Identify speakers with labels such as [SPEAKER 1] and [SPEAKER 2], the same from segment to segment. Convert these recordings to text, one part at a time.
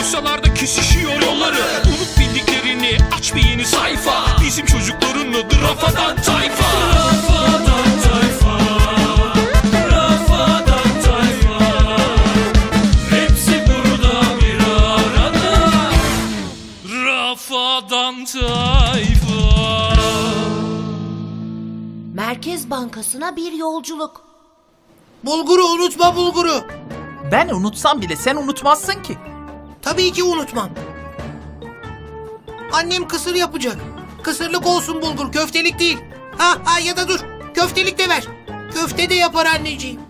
[SPEAKER 1] Kısalarda kesişiyor yolları. Unut bildiklerini, aç bir yeni sayfa. Bizim çocukların adı Rafadan Tayfa. Rafadan Tayfa, Rafadan Tayfa. Hepsi burada bir arada. Rafadan Tayfa.
[SPEAKER 2] Merkez Bankası'na bir yolculuk.
[SPEAKER 3] Bulguru unutma, bulguru.
[SPEAKER 4] Ben unutsam bile sen unutmazsın ki.
[SPEAKER 3] Tabii ki unutmam. Annem kısır yapacak. Kısırlık olsun bulgur, köftelik değil. Ha ya da dur, köftelik de ver. Köfte de yapar anneciğim.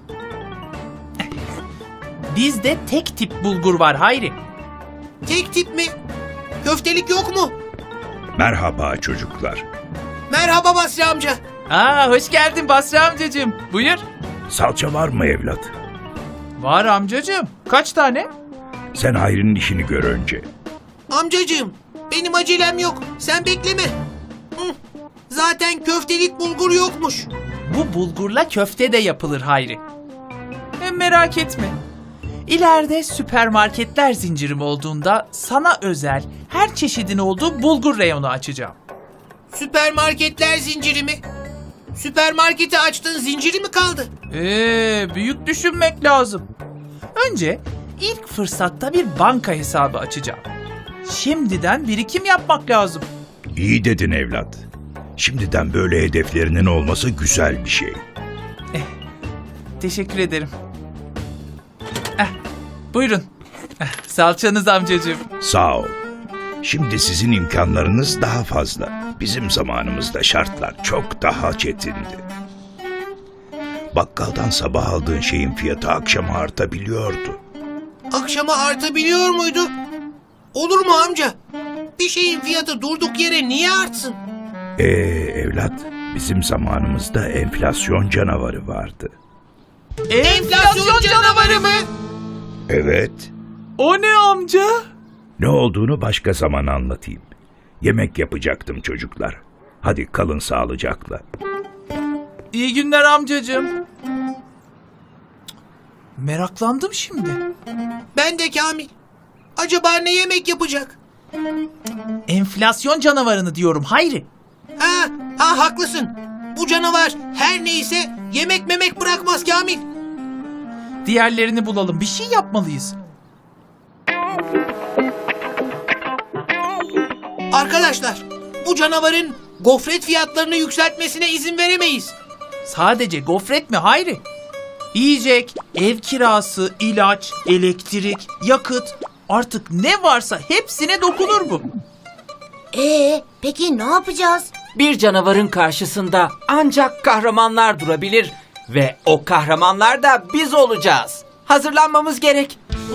[SPEAKER 4] Bizde tek tip bulgur var Hayri.
[SPEAKER 3] Tek tip mi? Köftelik yok mu?
[SPEAKER 5] Merhaba çocuklar.
[SPEAKER 3] Merhaba Basri amca.
[SPEAKER 4] Hoş geldin Basri amcacığım. Buyur.
[SPEAKER 5] Salça var mı evlat?
[SPEAKER 4] Var amcacığım. Kaç tane?
[SPEAKER 5] Sen Hayri'nin işini gör önce.
[SPEAKER 3] Amcacığım, benim acelem yok. Sen bekleme. Zaten köftelik bulgur yokmuş.
[SPEAKER 4] Bu bulgurla köfte de yapılır Hayri. Hem merak etme. İleride süpermarketler zincirim olduğunda sana özel her çeşidin olduğu bulgur reyonu açacağım.
[SPEAKER 3] Süpermarketler zinciri mi? Süpermarketi açtın, zinciri mi kaldı?
[SPEAKER 4] Büyük düşünmek lazım. Önce ilk fırsatta bir banka hesabı açacağım. Şimdiden birikim yapmak lazım.
[SPEAKER 5] İyi dedin evlat. Şimdiden böyle hedeflerinin olması güzel bir şey.
[SPEAKER 4] Teşekkür ederim. Buyurun. Salçanız amcacığım.
[SPEAKER 5] Sağ ol. Şimdi sizin imkanlarınız daha fazla. Bizim zamanımızda şartlar çok daha çetindi. Bakkaldan sabah aldığın şeyin fiyatı akşama artabiliyordu.
[SPEAKER 3] Akşama artabiliyor muydu? Olur mu amca? Bir şeyin fiyatı durduk yere niye artsın?
[SPEAKER 5] Evlat, bizim zamanımızda enflasyon canavarı vardı.
[SPEAKER 3] Enflasyon canavarı mı?
[SPEAKER 5] Evet.
[SPEAKER 4] O ne amca?
[SPEAKER 5] Ne olduğunu başka zaman anlatayım. Yemek yapacaktım çocuklar. Hadi kalın sağlıcakla.
[SPEAKER 4] İyi günler amcacığım. Meraklandım şimdi.
[SPEAKER 3] Ben de Kamil. Acaba ne yemek yapacak?
[SPEAKER 4] Enflasyon canavarını diyorum Hayri.
[SPEAKER 3] Haklısın. Bu canavar her neyse yemek memek bırakmaz Kamil.
[SPEAKER 4] Diğerlerini bulalım. Bir şey yapmalıyız.
[SPEAKER 3] Arkadaşlar, bu canavarın gofret fiyatlarını yükseltmesine izin veremeyiz.
[SPEAKER 4] Sadece gofret mi Hayri? Yiyecek, ev kirası, ilaç, elektrik, yakıt, artık ne varsa hepsine dokunur bu.
[SPEAKER 2] Peki ne yapacağız?
[SPEAKER 6] Bir canavarın karşısında ancak kahramanlar durabilir ve o kahramanlar da biz olacağız. Hazırlanmamız gerek.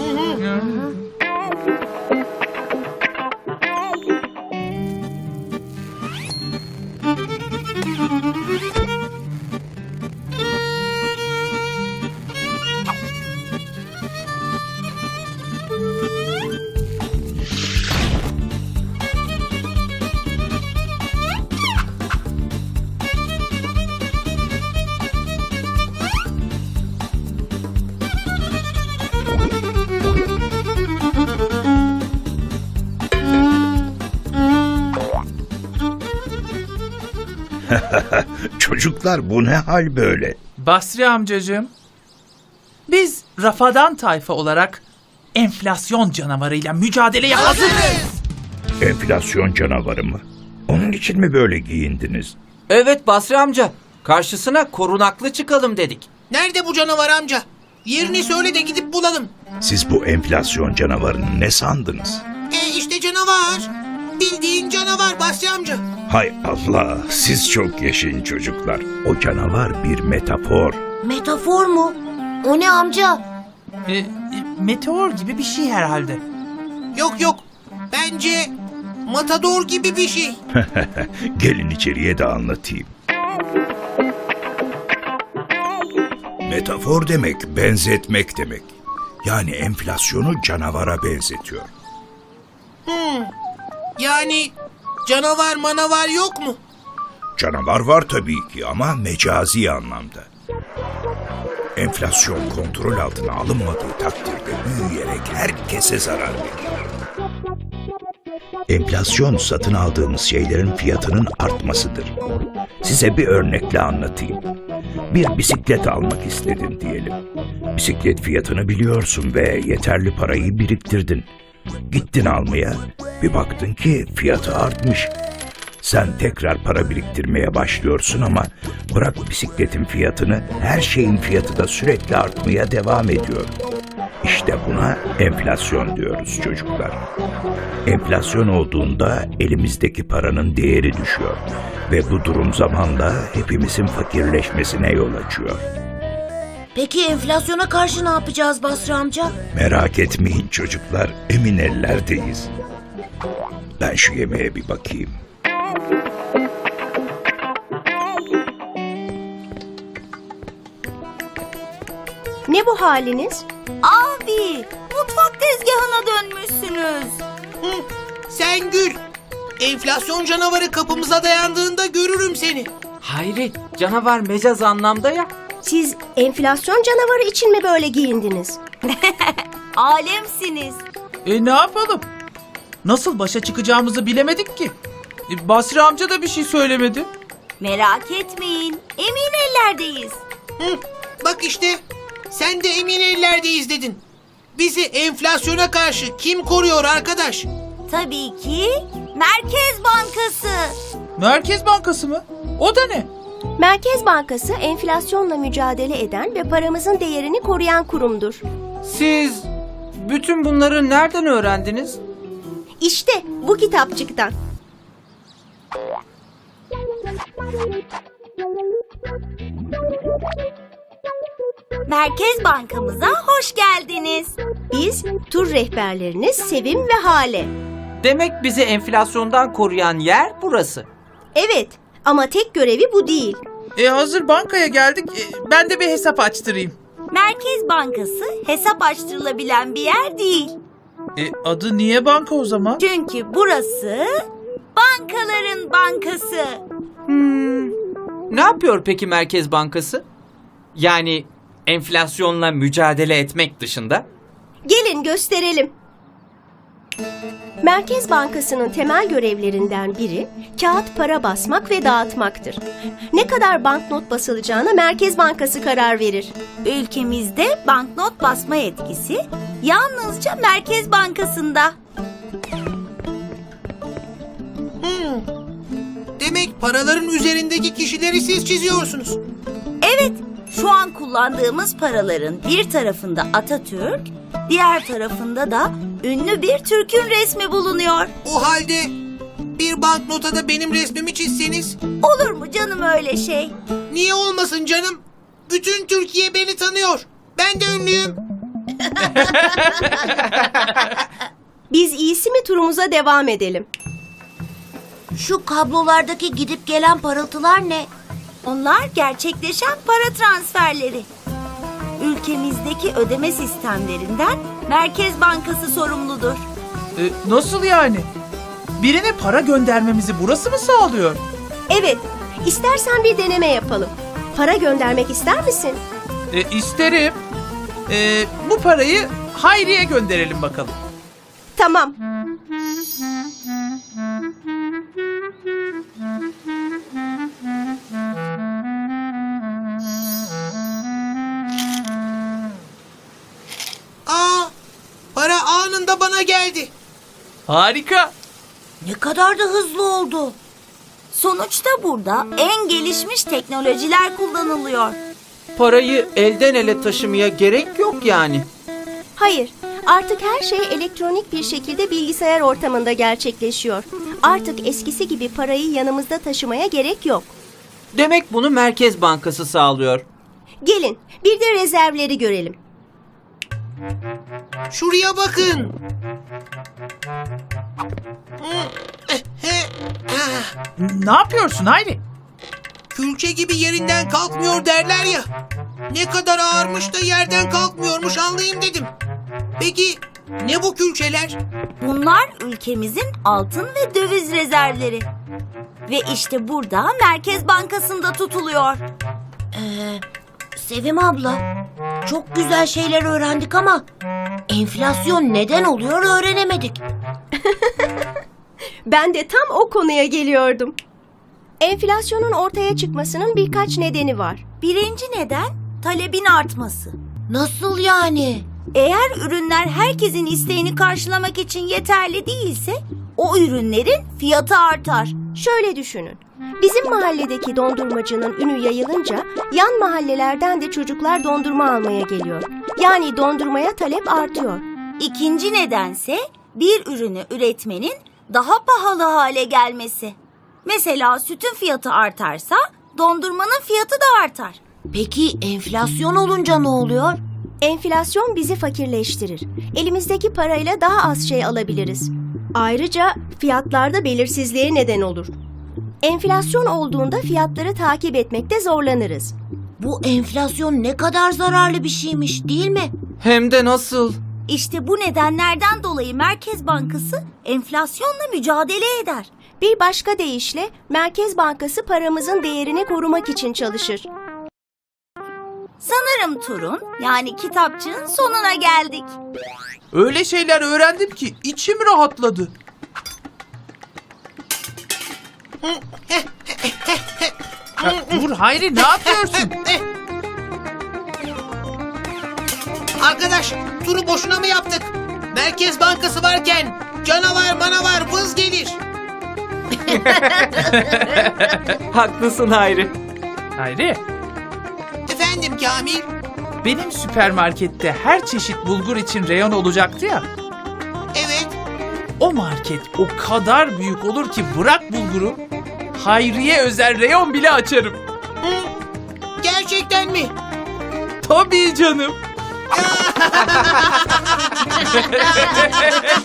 [SPEAKER 5] Çocuklar bu ne hal böyle?
[SPEAKER 4] Basri amcacığım, biz Rafadan Tayfa olarak enflasyon canavarıyla mücadeleye hazırız.
[SPEAKER 5] Enflasyon canavarı mı? Onun için mi böyle giyindiniz?
[SPEAKER 6] Evet Basri amca, karşısına korunaklı çıkalım dedik.
[SPEAKER 3] Nerede bu canavar amca? Yerini söyle de gidip bulalım.
[SPEAKER 5] Siz bu enflasyon canavarını ne sandınız?
[SPEAKER 3] İşte canavar. Bildiğin canavar Basri amca.
[SPEAKER 5] Hay Allah, siz çok yaşayın çocuklar. O canavar bir metafor.
[SPEAKER 2] Metafor mu? O ne amca?
[SPEAKER 4] Meteor gibi bir şey herhalde.
[SPEAKER 3] Yok. Bence matador gibi bir şey.
[SPEAKER 5] Gelin içeriye de anlatayım. Metafor demek, benzetmek demek. Yani enflasyonu canavara benzetiyor.
[SPEAKER 3] Yani canavar manavar yok mu?
[SPEAKER 5] Canavar var tabii ki ama mecazi anlamda. Enflasyon kontrol altına alınmadığı takdirde büyüyerek herkese zarar verir. Enflasyon satın aldığımız şeylerin fiyatının artmasıdır. Size bir örnekle anlatayım. Bir bisiklet almak istedin diyelim. Bisiklet fiyatını biliyorsun ve yeterli parayı biriktirdin. Gittin almaya, bir baktın ki fiyatı artmış. Sen tekrar para biriktirmeye başlıyorsun ama bırak bisikletin fiyatını, her şeyin fiyatı da sürekli artmaya devam ediyor. İşte buna enflasyon diyoruz çocuklar. Enflasyon olduğunda elimizdeki paranın değeri düşüyor ve bu durum zamanla hepimizin fakirleşmesine yol açıyor.
[SPEAKER 2] Peki enflasyona karşı ne yapacağız Basri amca?
[SPEAKER 5] Merak etmeyin çocuklar, emin ellerdeyiz. Ben şu yemeğe bir bakayım.
[SPEAKER 7] Ne bu haliniz?
[SPEAKER 8] Abi, mutfak tezgahına dönmüşsünüz.
[SPEAKER 3] Sen gül. Enflasyon canavarı kapımıza dayandığında görürüm seni.
[SPEAKER 6] Hayri, canavar mecaz anlamda ya.
[SPEAKER 7] Siz enflasyon canavarı için mi böyle giyindiniz?
[SPEAKER 8] Alemsiniz.
[SPEAKER 4] Ne yapalım? Nasıl başa çıkacağımızı bilemedik ki. Basri amca da bir şey söylemedi.
[SPEAKER 8] Merak etmeyin, emin ellerdeyiz.
[SPEAKER 3] Bak işte, sen de emin ellerdeyiz dedin. Bizi enflasyona karşı kim koruyor arkadaş?
[SPEAKER 8] Tabii ki Merkez Bankası.
[SPEAKER 4] Merkez Bankası mı? O da ne?
[SPEAKER 7] Merkez Bankası enflasyonla mücadele eden ve paramızın değerini koruyan kurumdur.
[SPEAKER 6] Siz bütün bunları nereden öğrendiniz?
[SPEAKER 7] İşte bu kitapçıktan.
[SPEAKER 8] Merkez Bankamıza hoş geldiniz.
[SPEAKER 7] Biz tur rehberleriniz Sevim ve Hale.
[SPEAKER 6] Demek bizi enflasyondan koruyan yer burası.
[SPEAKER 7] Evet ama tek görevi bu değil.
[SPEAKER 4] Hazır bankaya geldik. Ben de bir hesap açtırayım.
[SPEAKER 8] Merkez Bankası hesap açtırılabilen bir yer değil.
[SPEAKER 4] Adı niye banka o zaman?
[SPEAKER 8] Çünkü burası bankaların bankası.
[SPEAKER 6] Ne yapıyor peki Merkez Bankası? Yani enflasyonla mücadele etmek dışında?
[SPEAKER 7] Gelin gösterelim. Merkez Bankası'nın temel görevlerinden biri kağıt para basmak ve dağıtmaktır. Ne kadar banknot basılacağına Merkez Bankası karar verir.
[SPEAKER 8] Ülkemizde banknot basma yetkisi yalnızca Merkez Bankası'nda.
[SPEAKER 3] Demek paraların üzerindeki kişileri siz çiziyorsunuz.
[SPEAKER 8] Evet, şu an kullandığımız paraların bir tarafında Atatürk, diğer tarafında da ünlü bir Türk'ün resmi bulunuyor.
[SPEAKER 3] O halde bir banknota da benim resmimi çizseniz,
[SPEAKER 8] Olur mu canım öyle şey?
[SPEAKER 3] niye olmasın canım? Bütün Türkiye beni tanıyor. Ben de ünlüyüm.
[SPEAKER 7] Biz iyisi mi turumuza devam edelim?
[SPEAKER 2] Şu kablolardaki gidip gelen parıltılar ne?
[SPEAKER 8] Onlar gerçekleşen para transferleri. Ülkemizdeki ödeme sistemlerinden Merkez Bankası sorumludur.
[SPEAKER 4] Nasıl yani? Birine para göndermemizi burası mı sağlıyor?
[SPEAKER 7] Evet, istersen bir deneme yapalım. Para göndermek ister misin?
[SPEAKER 4] İsterim. Bu parayı Hayri'ye gönderelim bakalım.
[SPEAKER 7] Tamam.
[SPEAKER 3] Para anında bana geldi.
[SPEAKER 4] Harika.
[SPEAKER 2] Ne kadar da hızlı oldu.
[SPEAKER 8] Sonuçta burada en gelişmiş teknolojiler kullanılıyor.
[SPEAKER 6] Parayı elden ele taşımaya gerek yok yani.
[SPEAKER 7] Hayır, artık her şey elektronik bir şekilde bilgisayar ortamında gerçekleşiyor. Artık eskisi gibi parayı yanımızda taşımaya gerek yok.
[SPEAKER 6] Demek bunu Merkez Bankası sağlıyor.
[SPEAKER 7] Gelin, bir de rezervleri görelim.
[SPEAKER 3] Şuraya bakın.
[SPEAKER 4] Ne yapıyorsun Hayri?
[SPEAKER 3] Külçe gibi yerinden kalkmıyor derler ya. Ne kadar ağırmış da yerden kalkmıyormuş anlayayım dedim. Peki ne bu külçeler?
[SPEAKER 8] Bunlar ülkemizin altın ve döviz rezervleri. Ve işte burada Merkez Bankası'nda tutuluyor.
[SPEAKER 2] Sevim abla, çok güzel şeyler öğrendik ama enflasyon neden oluyor öğrenemedik.
[SPEAKER 7] Ben de tam o konuya geliyordum. Enflasyonun ortaya çıkmasının birkaç nedeni var.
[SPEAKER 8] Birinci neden talebin artması.
[SPEAKER 2] Nasıl yani?
[SPEAKER 8] Eğer ürünler herkesin isteğini karşılamak için yeterli değilse o ürünlerin fiyatı artar.
[SPEAKER 7] Şöyle düşünün. Bizim mahalledeki dondurmacının ünü yayılınca yan mahallelerden de çocuklar dondurma almaya geliyor. Yani dondurmaya talep artıyor.
[SPEAKER 8] İkinci nedense bir ürünü üretmenin daha pahalı hale gelmesi. Mesela sütün fiyatı artarsa dondurmanın fiyatı da artar.
[SPEAKER 2] Peki enflasyon olunca ne oluyor?
[SPEAKER 7] Enflasyon bizi fakirleştirir. Elimizdeki parayla daha az şey alabiliriz. Ayrıca fiyatlarda belirsizliğe neden olur. Enflasyon olduğunda fiyatları takip etmekte zorlanırız.
[SPEAKER 2] Bu enflasyon ne kadar zararlı bir şeymiş, değil mi?
[SPEAKER 6] Hem de nasıl?
[SPEAKER 8] İşte bu nedenlerden dolayı Merkez Bankası enflasyonla mücadele eder.
[SPEAKER 7] Bir başka deyişle Merkez Bankası paramızın değerini korumak için çalışır.
[SPEAKER 8] Sanırım turun yani kitapçığın sonuna geldik.
[SPEAKER 4] Öyle şeyler öğrendim ki içim rahatladı. Ya, dur Hayri, ne yapıyorsun?
[SPEAKER 3] Arkadaş, turu boşuna mı yaptık? Merkez Bankası varken canavar manavar vız gelir.
[SPEAKER 6] Haklısın Hayri.
[SPEAKER 4] Hayri,
[SPEAKER 3] Efendim Kamil?
[SPEAKER 4] benim süpermarkette her çeşit bulgur için reyon olacaktı ya.
[SPEAKER 3] Evet.
[SPEAKER 4] O market o kadar büyük olur ki bırak bulguru, Hayri'ye özel reyon bile açarım.
[SPEAKER 3] Gerçekten mi?
[SPEAKER 4] Tabii canım.